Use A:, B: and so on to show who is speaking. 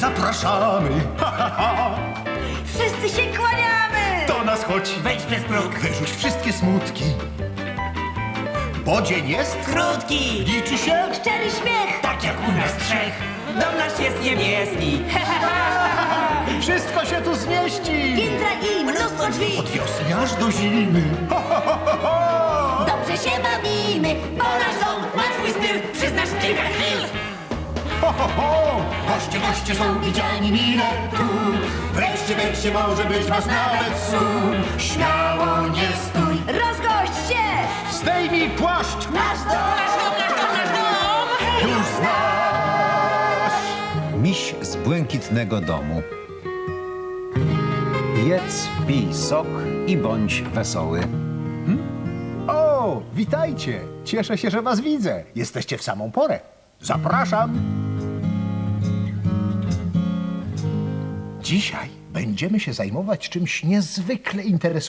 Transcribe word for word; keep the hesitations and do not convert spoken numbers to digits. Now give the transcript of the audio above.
A: zapraszamy. Ha, ha, ha.
B: Wszyscy się kłaniamy!
A: Do nas chodź,
C: Wejdź przez próg.
A: wyrzuć wszystkie smutki. Bo dzień jest,
C: Krótki,
A: liczy się.
B: Szczery śmiech!
C: tak jak u nas trzech. Dom nasz jest niebieski.
A: Wszystko się tu zmieści.
B: Piętra i mnóstwo drzwi!
A: Od wiosny aż do zimy. Ha, ha, ha, ha, ha.
B: Dobrze się bawimy, bo nasz dom
C: Ma swój styl, przyznasz kilka chwil.
A: Ho, ho, ho! Goście, goście są widziani mile tu. Wreszcie, wreszcie może być was nawet sum. Śmiało nie stój.
B: rozgość się!
A: Zdejmij płaszcz.
B: Nasz dom!
A: Już znasz.
D: Miś z błękitnego domu. Jedz, pij sok i bądź wesoły.
A: O, witajcie. Cieszę się, że was widzę. Jesteście w samą porę. Zapraszam. Dzisiaj będziemy się zajmować czymś niezwykle interesującym.